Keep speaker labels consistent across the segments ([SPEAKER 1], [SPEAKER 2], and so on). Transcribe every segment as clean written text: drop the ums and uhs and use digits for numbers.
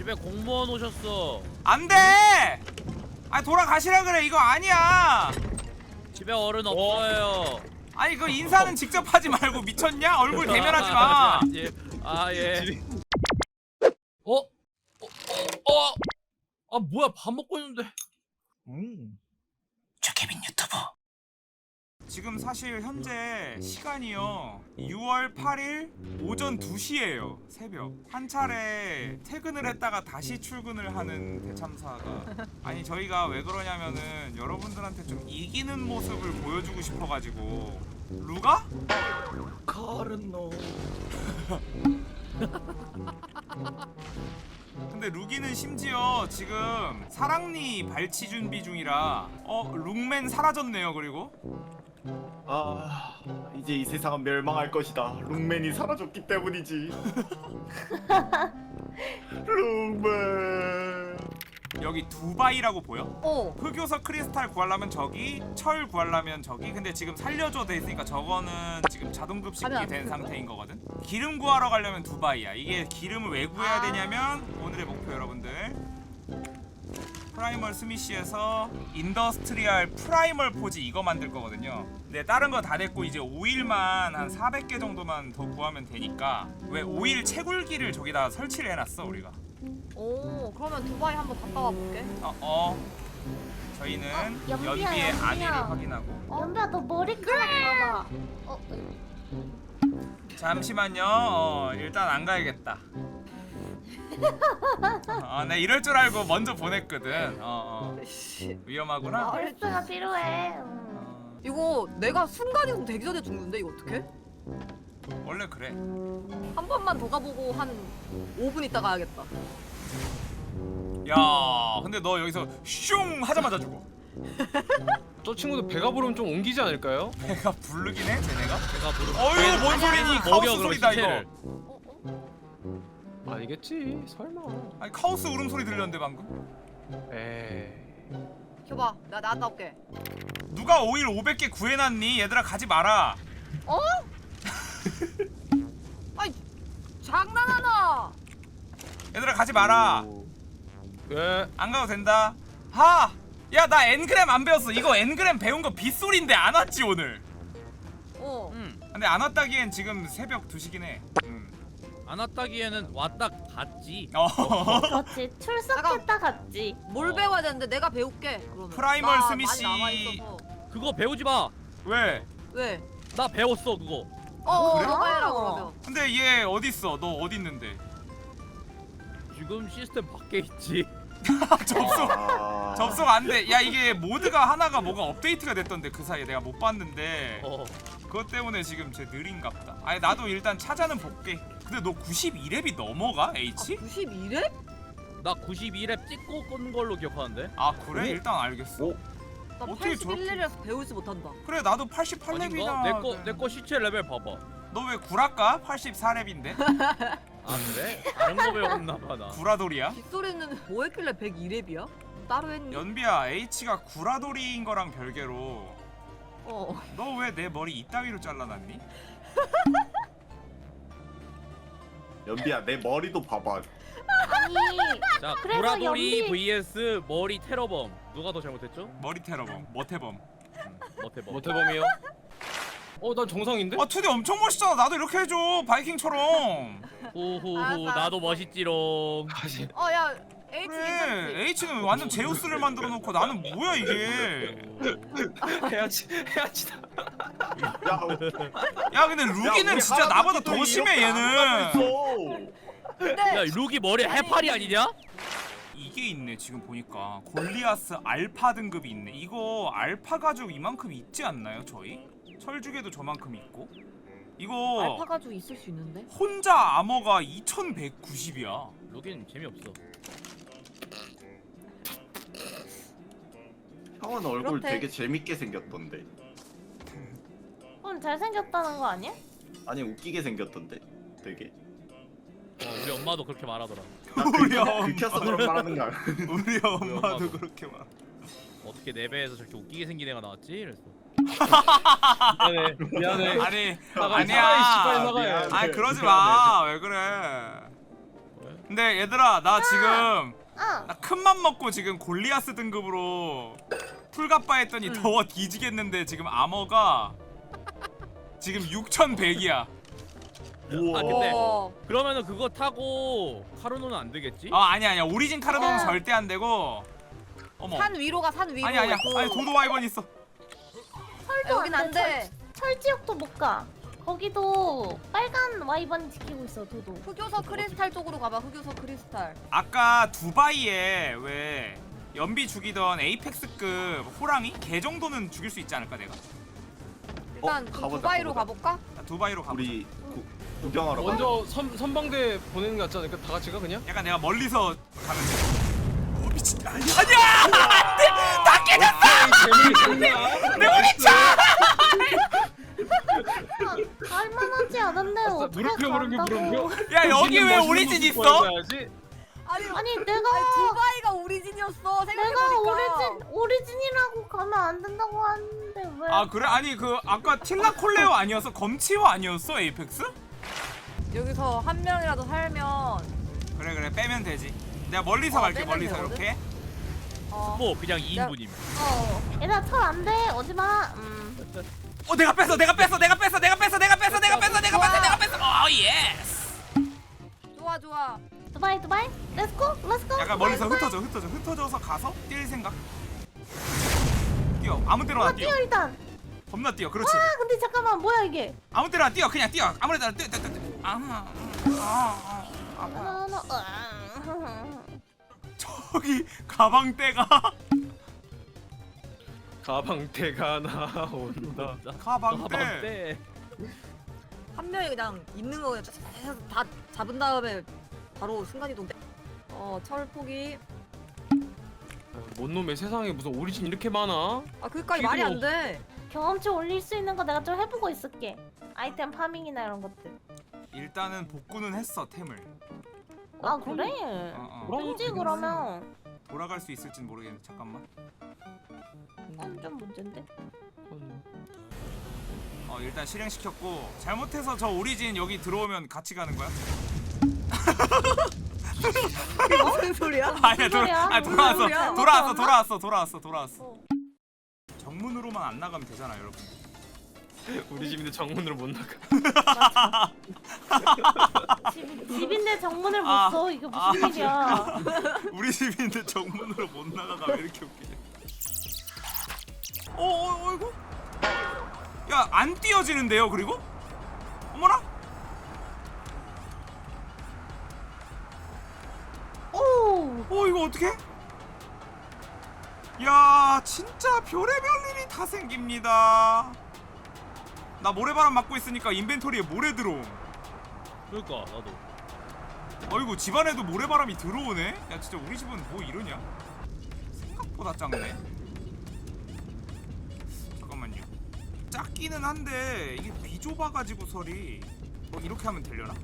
[SPEAKER 1] 집에 공무원 오셨어.
[SPEAKER 2] 안돼! 아니 돌아가시라 그래. 이거 아니야.
[SPEAKER 1] 집에 어른 없어요.
[SPEAKER 2] 아니 그 인사는 직접 하지 말고 미쳤냐? 얼굴 대면하지 마.
[SPEAKER 1] 예. 아 예. 아 뭐야 밥 먹고 있는데.
[SPEAKER 2] 최케빈 유튜브. 지금 사실 현재 시간이요 6월 8일 오전 2시예요. 새벽 한 차례 퇴근을 했다가 다시 출근을 하는 대참사가 아니 저희가 왜 그러냐면은 여러분들한테 좀 이기는 모습을 보여주고 싶어가지고. 루가?
[SPEAKER 3] 카르노.
[SPEAKER 2] 근데 루기는 심지어 지금 사랑니 발치 준비 중이라 룩맨 사라졌네요. 그리고
[SPEAKER 3] 아, 이제 이 세상은 멸망할 것이다. 룩맨이 사라졌기 때문이지. 룩맨.
[SPEAKER 2] 여기 두바이라고 보여?
[SPEAKER 4] 흑요석
[SPEAKER 2] 크리스탈 구하려면 저기, 철 구하려면 저기. 근데 지금 살려줘 돼 있으니까 저거는 지금 자동 급식이 된 상태인 거거든. 기름 구하러 가려면 두바이야. 이게 기름을 왜 구해야 되냐면 오늘의 목표 여러분들 프라이멀 스미시에서 인더스트리얼 프라이멀 포지 이거 만들 거거든요. 근데 다른 거 다 됐고 이제 오일만 한 400개 정도만 더 구하면 되니까 왜 오일 채굴기를 저기다 설치를 해놨어 우리가.
[SPEAKER 4] 오, 그러면 두바이 한번 갔다 와볼게.
[SPEAKER 2] 저희는
[SPEAKER 5] 연비야,
[SPEAKER 2] 연비의
[SPEAKER 5] 연비야.
[SPEAKER 2] 안위를 확인하고.
[SPEAKER 5] 연비야 너 머리카락 봐봐.
[SPEAKER 2] 잠시만요. 일단 안 가야겠다. 내 이럴 줄 알고 먼저 보냈거든. 위험하구나.
[SPEAKER 5] 얼스가 필요해.
[SPEAKER 4] 이거 내가 순간이동 되기 전에 죽는데 이거 어떡해?
[SPEAKER 2] 원래 그래.
[SPEAKER 4] 한 번만 더 가보고 한 5분 있다 가야겠다.
[SPEAKER 2] 야, 근데 너 여기서 슝 하자마자 죽어.
[SPEAKER 6] 저 친구도 배가 부르면 좀 옮기지 않을까요?
[SPEAKER 2] 배가 부르긴 해, 쟤네가.
[SPEAKER 1] 제가 부르.
[SPEAKER 2] 어휴, 뭔 소리니? 카오스 소리다 이거.
[SPEAKER 6] 아니겠지 설마.
[SPEAKER 2] 아니 카오스 울음소리 들렸는데 방금.
[SPEAKER 6] 에이.
[SPEAKER 4] 켜봐, 나 나갔다 올게.
[SPEAKER 2] 누가 오일 500개 구해놨니? 얘들아 가지 마라.
[SPEAKER 4] 아이, 장난하나?
[SPEAKER 2] 얘들아 가지 마라.
[SPEAKER 6] 왜?
[SPEAKER 2] 안 가도 된다. 야 나 엔그램 안 배웠어. 이거 엔그램 배운 거 빗소리인데 안 왔지 오늘. 근데 안 왔다기엔 지금 새벽 2시긴 해.
[SPEAKER 1] 안 왔다기에는 왔다 갔지.
[SPEAKER 5] 그렇지 출석했다 갔지.
[SPEAKER 4] 뭘 배워야 되는데 내가 배울게. 그러면.
[SPEAKER 2] 프라이멀
[SPEAKER 4] 나
[SPEAKER 2] 스미시.
[SPEAKER 4] 많이 남아있어서.
[SPEAKER 1] 그거 배우지 마.
[SPEAKER 2] 왜?
[SPEAKER 4] 왜?
[SPEAKER 1] 나 배웠어 그거.
[SPEAKER 2] 그래?
[SPEAKER 4] 너가 해라 그러면.
[SPEAKER 2] 근데 얘 어딨어? 너 어딨는데?
[SPEAKER 1] 지금 시스템 밖에 있지.
[SPEAKER 2] 접속 안 돼. 야 이게 모드가 하나가 뭐가 업데이트가 됐던데 그 사이에 내가 못 봤는데 그것 때문에 지금 쟤 느린갑다. 아니 나도 일단 찾아는 볼게. 근데 너 92렙이 넘어가? H?
[SPEAKER 4] 92렙?
[SPEAKER 1] 나 92렙 찍고 끈 걸로 기억하는데.
[SPEAKER 2] 아 그래? 일단 알겠어.
[SPEAKER 4] 나
[SPEAKER 2] 어떻게 저렇게-
[SPEAKER 4] 81렙이라서 배우지 못한다.
[SPEAKER 2] 그래 나도
[SPEAKER 1] 아닌가?
[SPEAKER 2] 88렙이나.
[SPEAKER 1] 내거 시체 레벨 봐봐.
[SPEAKER 2] 너 왜 구라까? 84렙인데?
[SPEAKER 1] 아 그래? 다른 거 배웠나 봐 나.
[SPEAKER 2] 구라돌이야?
[SPEAKER 4] 빗소리는 뭐 했길래 102렙이야? 따로 했니?
[SPEAKER 2] 연비야 H가 구라돌이인 거랑 별개로
[SPEAKER 4] 어.
[SPEAKER 2] 너 왜 내 머리 이따위로 잘라놨니?
[SPEAKER 3] 연비야 내 머리도 봐봐.
[SPEAKER 5] 아니
[SPEAKER 1] 자
[SPEAKER 5] 그래서
[SPEAKER 1] 구라돌이
[SPEAKER 5] 연비-
[SPEAKER 1] vs 머리 테러범. 누가 더 잘못했죠?
[SPEAKER 2] 머리 테러범, 머태범.
[SPEAKER 1] 머태범.
[SPEAKER 6] 모태범이요? 난 정상인데?
[SPEAKER 2] 투디 엄청 멋있잖아. 나도 이렇게 해줘. 바이킹처럼.
[SPEAKER 1] 후후후
[SPEAKER 4] 알았어,
[SPEAKER 1] 나도
[SPEAKER 4] 알았어.
[SPEAKER 1] 멋있지롱.
[SPEAKER 6] 다시.
[SPEAKER 4] 야 H 괜찮지?
[SPEAKER 2] 그래 H는 완전 제우스를 만들어 놓고 나는 뭐야 이게.
[SPEAKER 6] 해야지.
[SPEAKER 3] 야,
[SPEAKER 2] 야 근데 루기는
[SPEAKER 3] 우리
[SPEAKER 2] 진짜 나보다 더
[SPEAKER 3] 할아버지도
[SPEAKER 2] 심해
[SPEAKER 3] 이렇게 안
[SPEAKER 2] 얘는.
[SPEAKER 3] 하고
[SPEAKER 4] 근데
[SPEAKER 1] 야 룩이 머리 해파리 아니냐?
[SPEAKER 2] 이게 있네 지금 보니까. 골리아스 알파 등급이 있네. 이거 알파 가죽 이만큼 있지 않나요 저희? 철죽에도 저만큼 있고. 이거
[SPEAKER 4] 알파 가죽 있을 수 있는데?
[SPEAKER 2] 혼자 아머가 2190이야.
[SPEAKER 1] 룩인 재미없어.
[SPEAKER 3] 형은 얼굴
[SPEAKER 4] 그렇대.
[SPEAKER 3] 되게 재밌게 생겼던데.
[SPEAKER 5] 잘생겼다는 거 아니야?
[SPEAKER 3] 아니 웃기게 생겼던데. 되게.
[SPEAKER 1] 우리 엄마도 그렇게 말하더라.
[SPEAKER 2] 우리 엄마.
[SPEAKER 3] 긁혀서 그런 말하는 거야.
[SPEAKER 2] 우리 엄마도
[SPEAKER 1] 엄마도.
[SPEAKER 2] 그렇게 말.
[SPEAKER 1] 어떻게 내 배에서 저렇게 웃기게 생긴 애가 나왔지? 그랬어.
[SPEAKER 6] 미안해.
[SPEAKER 2] 아니
[SPEAKER 6] 사과해,
[SPEAKER 2] 아니야.
[SPEAKER 6] 사과해,
[SPEAKER 3] 미안.
[SPEAKER 2] 아니 그러지 마. 왜 그래? 근데 얘들아 나 지금
[SPEAKER 5] 응.
[SPEAKER 2] 나 큰맘 먹고 지금 골리아스 등급으로 풀갑바 했더니 더워 뒤지겠는데 지금 아머가 지금 6100이야.
[SPEAKER 3] 우와.
[SPEAKER 1] 아, 근데
[SPEAKER 4] 어.
[SPEAKER 1] 그러면은 그거 타고 카르노는 안 되겠지?
[SPEAKER 2] 아니야 오리진 카르노는 절대 안 되고. 어머
[SPEAKER 4] 산 위로 가, 산 위로.
[SPEAKER 2] 아니야 아니 도도 와이번 있어.
[SPEAKER 5] 철도
[SPEAKER 4] 여긴 안 돼.
[SPEAKER 5] 철지역도 못 가. 거기도 빨간 와이번이 지키고 있어 도도.
[SPEAKER 4] 흑요소 크리스탈 쪽으로 가봐. 흑요소 크리스탈.
[SPEAKER 2] 아까 두바이에 왜 연비 죽이던 에이펙스급 호랑이? 걔 정도는 죽일 수 있지 않을까 내가?
[SPEAKER 4] 일단 그
[SPEAKER 3] 가보자,
[SPEAKER 4] 두바이로
[SPEAKER 3] 가보자.
[SPEAKER 4] 가볼까?
[SPEAKER 2] 나 두바이로 가보자.
[SPEAKER 3] 우리 구경하러 가.
[SPEAKER 6] 먼저 선방대 보내는 게 낫지 않을까? 다 같이 가 그냥?
[SPEAKER 2] 약간 내가 멀리서 가면 돼. 오 미친 아니야 안돼 다 깨졌어 내 우리 차
[SPEAKER 5] 갈만하지 않은데 어떻게
[SPEAKER 6] 물음표
[SPEAKER 5] 간다고?
[SPEAKER 2] 야 여기 왜 오리진 있어?
[SPEAKER 4] 아니,
[SPEAKER 5] 아니 내가
[SPEAKER 4] 두바이가 오리진이었어.
[SPEAKER 5] 내가
[SPEAKER 4] 생각해보니까.
[SPEAKER 5] 오리진이라고 가면 안 된다고 하는데 왜?
[SPEAKER 2] 아 그래? 아니 그 아까 틸라 콜레오 아니었어? 검치호 아니었어 에이펙스?
[SPEAKER 4] 여기서 한 명이라도 살면
[SPEAKER 2] 그래 빼면 되지. 내가 멀리서 갈게
[SPEAKER 4] 빼면
[SPEAKER 2] 멀리서
[SPEAKER 4] 되거든?
[SPEAKER 2] 이렇게.
[SPEAKER 1] 뭐 그냥 2인분이면.
[SPEAKER 5] 얘들아 철 안 돼. 오지 마.
[SPEAKER 2] 내가 뺐어 오 예스.
[SPEAKER 4] 좋아.
[SPEAKER 5] 두바이. 렛츠고.
[SPEAKER 2] 약간 멀리서 흩어져서 가서 뛸 생각. 뛰어 아무 데로나 뛰어.
[SPEAKER 5] 뛰어 일단.
[SPEAKER 2] 겁나 뛰어 그렇지.
[SPEAKER 5] 아 근데 잠깐만 뭐야 이게?
[SPEAKER 2] 아무 데로나 뛰어 그냥 뛰어 아무 데나 뛰어. 저기 가방대가
[SPEAKER 6] 가방대가 나온다.
[SPEAKER 2] 가방대.
[SPEAKER 1] 가방대.
[SPEAKER 4] 한 명이 그냥 있는 거 그냥 다 잡은 다음에 바로 순간이동. 철 포기.
[SPEAKER 6] 뭔 놈의 세상에 무슨 오리진 이렇게 많아?
[SPEAKER 4] 아 그니까 말이 안 돼.
[SPEAKER 5] 경험치 올릴 수 있는 거 내가 좀 해보고 있을게. 아이템 파밍이나 이런 것들.
[SPEAKER 2] 일단은 복구는 했어 템을.
[SPEAKER 5] 아 그래? 그지 그러면
[SPEAKER 2] 돌아갈 수 있을진 모르겠는데 잠깐만.
[SPEAKER 5] 그건 좀 문제인데.
[SPEAKER 2] 일단 실행시켰고 잘못해서 저 오리진 여기 들어오면 같이 가는 거야?
[SPEAKER 4] 무슨 소리야?
[SPEAKER 2] 아니야
[SPEAKER 5] 소리야?
[SPEAKER 2] 돌아왔어
[SPEAKER 5] 무슨 소리야?
[SPEAKER 2] 돌아왔어. 정문으로만 안 나가면 되잖아 여러분.
[SPEAKER 6] 우리 집인데 정문으로 못 나가.
[SPEAKER 5] 집인데 정문을 못
[SPEAKER 2] 아,
[SPEAKER 5] 써. 이게 무슨 일이야?
[SPEAKER 2] 우리 집인데 정문으로 못 나가가 왜 이렇게 웃기냐? 어이구? 야 안 띄어지는데요 그리고? 어머나?
[SPEAKER 5] 오.
[SPEAKER 2] 이거 어떡해? 야 진짜 별의별 일이 다 생깁니다. 나 모래바람 맞고 있으니까 인벤토리에 모래 들어옴.
[SPEAKER 1] 그러니까 나도.
[SPEAKER 2] 어이구 집안에도 모래바람이 들어오네? 야 진짜 우리 집은 뭐 이러냐? 생각보다 작네. 잠깐만요. 작기는 한데 이게 비좁아가지고 설이 이렇게 하면 되려나?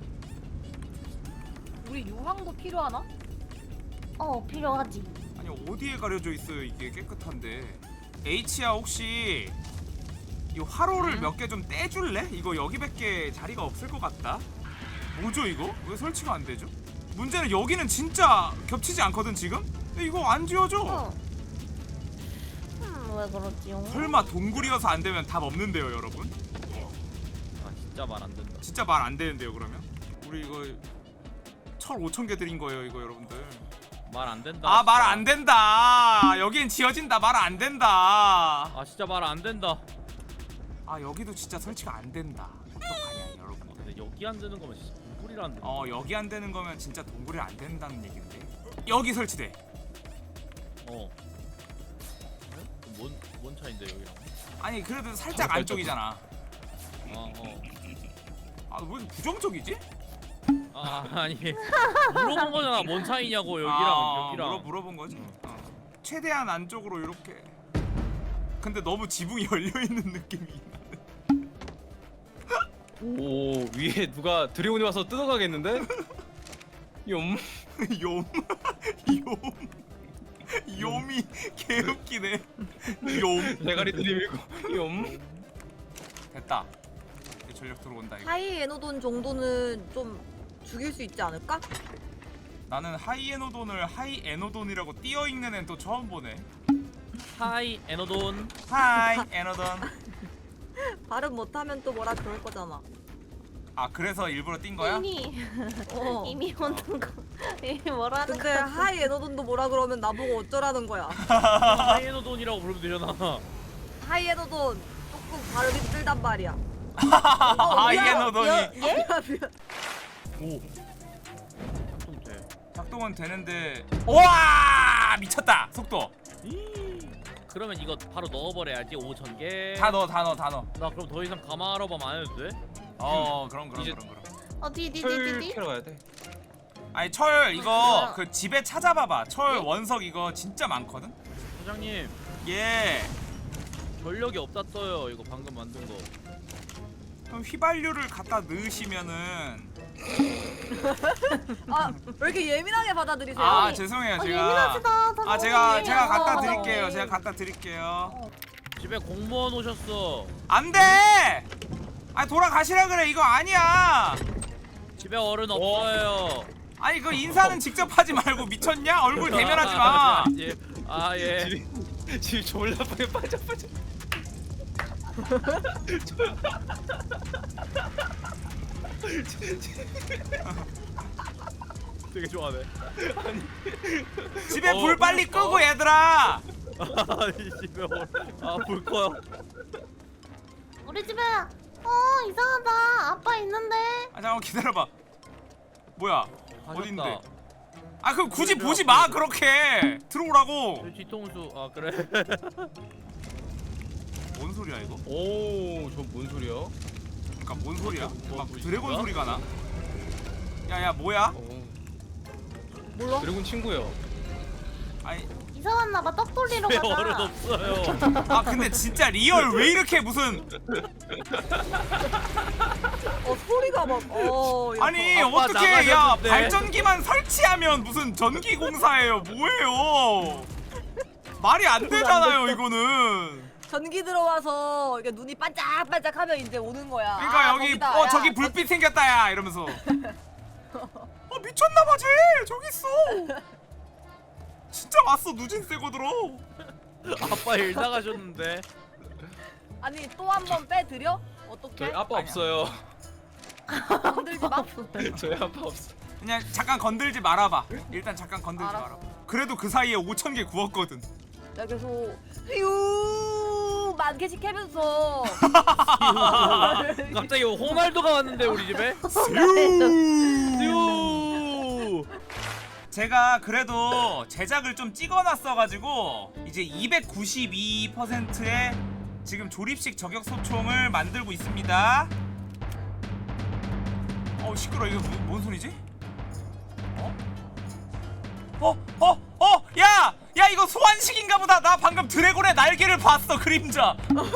[SPEAKER 4] 우리 유황도 필요하나?
[SPEAKER 5] 필요하지.
[SPEAKER 2] 아니 어디에 가려져 있어요 이게 깨끗한데. H야 혹시 이 화로를 몇 개 좀 떼줄래? 이거 여기밖에 자리가 없을 것 같다. 뭐죠 이거? 왜 설치가 안 되죠? 문제는 여기는 진짜 겹치지 않거든 지금? 근데 이거 안 지워져.
[SPEAKER 5] 왜 그러지요?
[SPEAKER 2] 설마 동굴이어서 안 되면 답 없는데요 여러분?
[SPEAKER 1] 아 진짜 말 안 된다.
[SPEAKER 2] 진짜 말 안 되는데요 그러면? 우리 이거 철 5,000개 드린 거예요 이거 여러분들.
[SPEAKER 1] 말 안 된다.
[SPEAKER 2] 아 말 안 된다. 여긴 지어진다. 말 안 된다.
[SPEAKER 1] 아 진짜 말 안 된다.
[SPEAKER 2] 아 여기도 진짜 설치가 안 된다. 어떡하냐 여러분들.
[SPEAKER 1] 근데 여기 안 되는 거면 진짜 동굴이라는 데.
[SPEAKER 2] 여기 안 되는 거면 진짜 동굴이 안 된다는 얘긴데. 여기 설치돼.
[SPEAKER 1] 뭔 차인데 여기랑?
[SPEAKER 2] 아니 그래도 살짝 안쪽이잖아. 아 왜 이렇게 부정적이지?
[SPEAKER 1] 아니 물어본 거잖아. 뭔 차이냐고 여기랑.
[SPEAKER 2] 물어본 거지. 최대한 안쪽으로 이렇게. 근데 너무 지붕이 열려 있는 느낌이 나는.
[SPEAKER 6] 오 위에 누가 드래곤이 와서 뜯어가겠는데? 욤.
[SPEAKER 2] 욤이 개웃기네. 욤.
[SPEAKER 6] 대가리 들이밀고 욤.
[SPEAKER 2] 됐다. 이제 전력 들어온다 이거.
[SPEAKER 4] 하이 에노돈 정도는 좀 죽일 수 있지 않을까?
[SPEAKER 2] 나는 하이에노돈을 하이에노돈이라고 띄어 읽는 애는 또 처음 보네.
[SPEAKER 1] 하이 에너돈.
[SPEAKER 2] 하이 에노돈.
[SPEAKER 4] 발음 못하면 또 뭐라 그럴 거잖아.
[SPEAKER 2] 아 그래서 일부러 띈 거야?
[SPEAKER 4] 어.
[SPEAKER 5] 이미 오는 거. 이미 뭐라는
[SPEAKER 4] 근데
[SPEAKER 5] 거.
[SPEAKER 4] 하이 에너돈도 뭐라 그러면 나보고 어쩌라는 거야.
[SPEAKER 1] 하이 에너돈이라고 부르면 되잖아.
[SPEAKER 4] 하이 에너돈 조금 발음이 힘들단 말이야.
[SPEAKER 2] 하이에노돈이
[SPEAKER 5] 예?
[SPEAKER 4] 미안, 미안.
[SPEAKER 1] 오. 작동 돼.
[SPEAKER 2] 작동은 되는데 우와 미쳤다 속도.
[SPEAKER 1] 그러면 이거 바로 넣어버려야지 5,000개.
[SPEAKER 2] 다 넣어.
[SPEAKER 1] 나 그럼 더 이상 가마로밤 안 해도 돼?
[SPEAKER 2] 그럼.
[SPEAKER 6] 이제-
[SPEAKER 5] 어디
[SPEAKER 6] 철 캐러 가야 돼.
[SPEAKER 2] 아니 철 이거 그 집에 찾아봐봐. 철 원석 이거 진짜 많거든.
[SPEAKER 1] 사장님
[SPEAKER 2] 예.
[SPEAKER 1] 전력이 없다 떠요. 이거 방금 만든 거.
[SPEAKER 2] 그럼 휘발유를 갖다 넣으시면은
[SPEAKER 4] 아, 왜 이렇게 예민하게 받아들이세요?
[SPEAKER 2] 아 죄송해요
[SPEAKER 5] 아,
[SPEAKER 2] 제가
[SPEAKER 5] 예민하시다. 다
[SPEAKER 2] 아 제가
[SPEAKER 5] 너무
[SPEAKER 2] 갖다
[SPEAKER 5] 예민해요.
[SPEAKER 2] 드릴게요. 제가 갖다 드릴게요.
[SPEAKER 1] 집에 공무원 오셨어.
[SPEAKER 2] 안 돼! 아 돌아가시라 그래. 이거 아니야.
[SPEAKER 1] 집에 어른 없어요.
[SPEAKER 2] 아니 그 인사는 직접 하지 말고 미쳤냐? 얼굴 대면하지 마.
[SPEAKER 1] 예. 아 예.
[SPEAKER 6] 지금 졸라 방에 빠져.
[SPEAKER 1] 되게 좋아하네.
[SPEAKER 2] 집에 불 빨리 끄고 얘들아.
[SPEAKER 1] 아니 집에 어른. 아볼 거야.
[SPEAKER 5] 우리 집에 이상하다. 아빠 있는데.
[SPEAKER 2] 아 잠깐만 기다려봐. 뭐야?
[SPEAKER 1] 가셨다.
[SPEAKER 2] 어딘데? 아 그럼 굳이 보지 마 그렇게. 들어오라고.
[SPEAKER 1] 저 뒤통수. 아 그래.
[SPEAKER 2] 뭔 소리야 이거?
[SPEAKER 6] 오, 저 뭔 소리야?
[SPEAKER 2] 그러니까 뭔 소리야?
[SPEAKER 1] 뭐
[SPEAKER 2] 막
[SPEAKER 1] 보이십니까?
[SPEAKER 2] 드래곤 소리가 나. 야야 뭐야?
[SPEAKER 4] 몰라?
[SPEAKER 6] 드래곤 친구요.
[SPEAKER 2] 아니
[SPEAKER 5] 이사 왔나봐. 떡 돌리러
[SPEAKER 1] 집에
[SPEAKER 5] 가자.
[SPEAKER 1] 어른 없어요.
[SPEAKER 2] 아 근데 진짜 리얼 왜 이렇게 무슨
[SPEAKER 4] 소리가 막
[SPEAKER 2] 아니
[SPEAKER 1] 아빠
[SPEAKER 2] 어떻게 야
[SPEAKER 1] 나가셨는데.
[SPEAKER 2] 발전기만 설치하면 무슨 전기 공사예요? 뭐예요? 말이 안 되잖아요 이거는.
[SPEAKER 4] 전기 들어와서 이게 눈이 반짝반짝하면 이제 오는 거야.
[SPEAKER 2] 그러니까 여기
[SPEAKER 4] 거기다. 야,
[SPEAKER 2] 저기 불빛 생겼다 야 이러면서. 미쳤나봐 쟤 저기 있어. 진짜 왔어 누진 세고 들어.
[SPEAKER 1] 아빠 일 나가셨는데.
[SPEAKER 4] 아니 또 한 번 빼드려? 어떻게?
[SPEAKER 6] 저희 아빠
[SPEAKER 2] 아니야.
[SPEAKER 6] 없어요.
[SPEAKER 4] 건들지 마.
[SPEAKER 6] 저희 아빠 없어.
[SPEAKER 2] 그냥 잠깐 건들지 말아봐. 일단 잠깐 건들지
[SPEAKER 4] 알았어.
[SPEAKER 2] 말아봐. 그래도 그 사이에 5,000개 구웠거든.
[SPEAKER 4] 야 계속 휴 만개씩 해면서
[SPEAKER 1] 갑자기 호날두가 왔는데 우리 집에. 유.
[SPEAKER 2] 제가 그래도 제작을 좀 찍어놨어가지고 이제 292%의 지금 조립식 저격 소총을 만들고 있습니다. 시끄러. 이거 뭔 소리지? 야! 야 이거 소환식인가 보다. 나 방금 드래곤의 날개를 봤어. 그림자.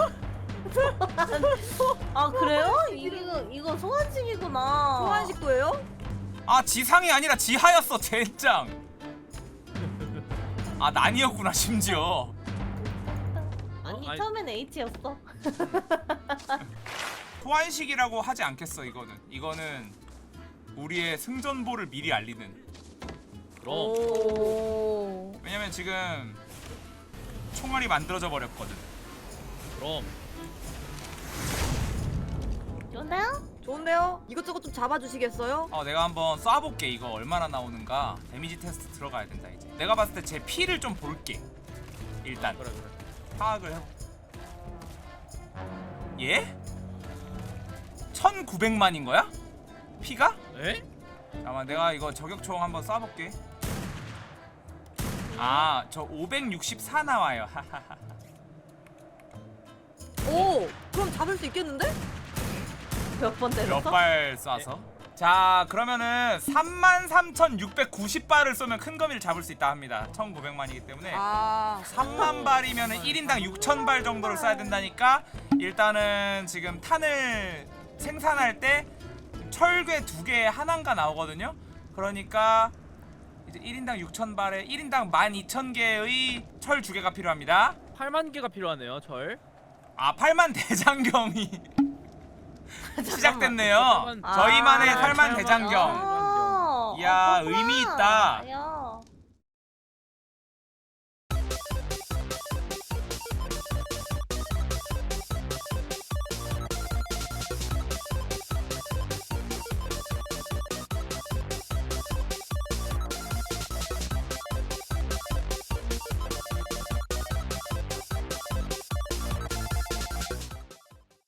[SPEAKER 5] 아 그래요? 이거 소환식이구나.
[SPEAKER 4] 소환식도예요?
[SPEAKER 2] 아 지상이 아니라 지하였어. 젠장. 아 난이었구나 심지어.
[SPEAKER 5] 아니
[SPEAKER 1] 아니.
[SPEAKER 5] 처음엔 H였어.
[SPEAKER 2] 소환식이라고 하지 않겠어. 이거는 우리의 승전보를 미리 알리는.
[SPEAKER 1] 그럼.
[SPEAKER 4] 오.
[SPEAKER 2] 왜냐면 지금 총알이 만들어져 버렸거든.
[SPEAKER 1] 그럼.
[SPEAKER 5] 좋은데요?
[SPEAKER 4] 좋은데요? 이것저것 좀 잡아주시겠어요?
[SPEAKER 2] 내가 한번 쏴볼게. 이거 얼마나 나오는가. 데미지 테스트 들어가야 된다 이제. 내가 봤을 때 제 피를 좀 볼게. 일단
[SPEAKER 1] 그래.
[SPEAKER 2] 파악을 해. 예? 1,900만인 거야? 피가?
[SPEAKER 1] 에?
[SPEAKER 2] 잠깐만 내가 이거 저격총 한번 쏴볼게. 저 564 나와요. 하하하.
[SPEAKER 4] 오, 그럼 잡을 수 있겠는데?
[SPEAKER 5] 몇 번 때렸어?
[SPEAKER 2] 몇 발 쏴서? 자 그러면은 33,690발을 쏘면 큰 거미를 잡을 수 있다 합니다. 1,900만이기 때문에 3만 발이면은 1인당 6,000발 정도를 쏴야 된다니까. 일단은 지금 탄을 생산할 때 철괴 2개 하나인가 나오거든요. 그러니까 이제 1인당 6,000발에 1인당 12,000개의 철 2개가 필요합니다.
[SPEAKER 1] 8만 개가 필요하네요. 철.
[SPEAKER 2] 8만 대장경이 시작됐네요.
[SPEAKER 1] 아,
[SPEAKER 2] 저희만의
[SPEAKER 1] 아,
[SPEAKER 2] 8만 대장경.
[SPEAKER 5] 아
[SPEAKER 2] 야,
[SPEAKER 5] 그렇구나.
[SPEAKER 2] 의미 있다.
[SPEAKER 5] 야,